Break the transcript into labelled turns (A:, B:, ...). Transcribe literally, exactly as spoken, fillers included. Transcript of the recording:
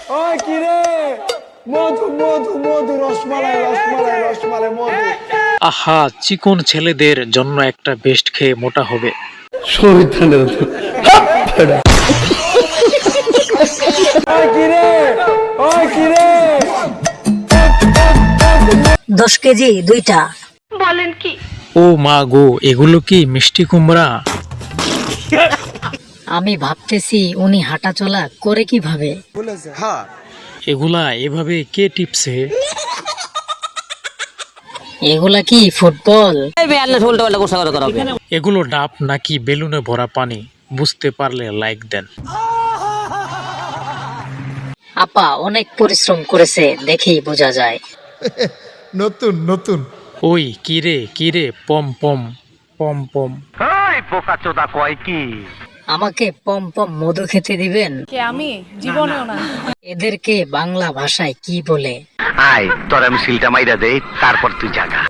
A: ওই কি রে মধু মধু মধু রসমালাই রসমালাই রসমালাই মধু।
B: আহা, চিকন ছেলেদের জন্য একটা বেস্ট খেয়ে মোটা হবে।
A: শয়তানের ওই কি রে ওই কি রে
C: দশ কেজি দুইটা।
B: ও মা গো, এগুলো কি মিষ্টি কুমড়া?
C: আমি ভাবতেছি উনি হাঁটা চলা করে কিভাবে।
B: এগুলা এভাবে কে টিপছে?
C: এগুলা কি ফুটবল?
B: এগুলো ডাব নাকি বেলুনে ভরা পানি? বুঝতে পারলে লাইক দেন।
C: আপা অনেক পরিশ্রম করেছে, দেখেই বোঝা যায়।
D: নতুন নতুন
B: ওই কিরে কিরে পম পম পম পম।
C: আমাকে পম পম মধু খেতে দিবেন?
E: কে আমি? জীবনেও না।
C: এদেরকে বাংলা ভাষায় কি বলে?
F: আয় তোর আমি সিলটা মাইরা দেই, তারপর তুই জাগা।